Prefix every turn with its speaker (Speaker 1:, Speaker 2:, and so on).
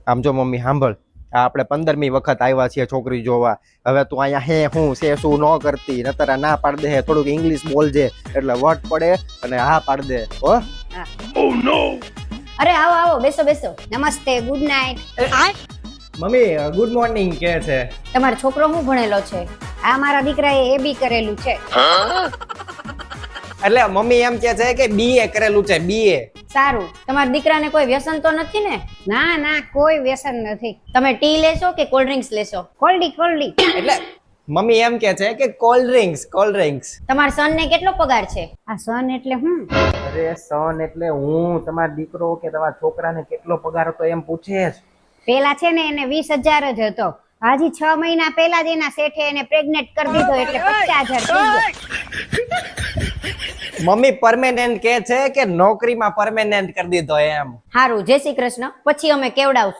Speaker 1: આમ જો મમ્મી સાંભળ, આ આપણે 15મી વખત આવ્યા છીએ છોકરી જોવા. હવે તું અહીંયા હે હું છે શું ન કરતી, નતર ના પાડ દે. થોડુંક ઇંગ્લિશ બોલજે એટલે વટ પડે અને હા પાડ દે હો.
Speaker 2: અરે આવો આવો, બેસો બેસો. નમસ્તે, good night.
Speaker 1: Mummy good morning કે છે.
Speaker 2: તમારો છોકરો શું ભણેલો છે? આ મારા દીકરાએ એ બી કરેલું છે.
Speaker 1: એટલે મમ્મી એમ કે છે કે બીએ કરેલું છે, બીએ.
Speaker 2: સારું, તમારા દીકરાને કોઈ વ્યસન તો નથી ને?
Speaker 3: ના ના, કોઈ વ્યસન નથી.
Speaker 2: તમે ટી લેશો કે કોલ્ડ ડ્રિંક્સ લેશો?
Speaker 3: કોલ્ડી.
Speaker 1: એટલે મમ્મી એમ કે છે કે કોલ્ડ ડ્રિંક્સ.
Speaker 2: તમારા સન ને કેટલો પગાર છે?
Speaker 3: આ સન એટલે હું?
Speaker 1: અરે સન એટલે હું, તમારો દીકરો કે તમારા છોકરાને કેટલો પગાર હતો એમ પૂછે છે.
Speaker 3: પેલા છે ને એને 20,000 જ હતો. હજી 6 મહિના પહેલા જ એના શેઠે એને પ્રેગ્નેન્ટ કરી દીધો એટલે 50,000 થઈ ગયો.
Speaker 1: મમ્મી પરમેનન્ટ કે છે કે નોકરીમાં પરમેનન્ટ કરી દીધો એમ.
Speaker 2: હારું, જય શ્રી કૃષ્ણ. પછી અમે કેવડાવશું.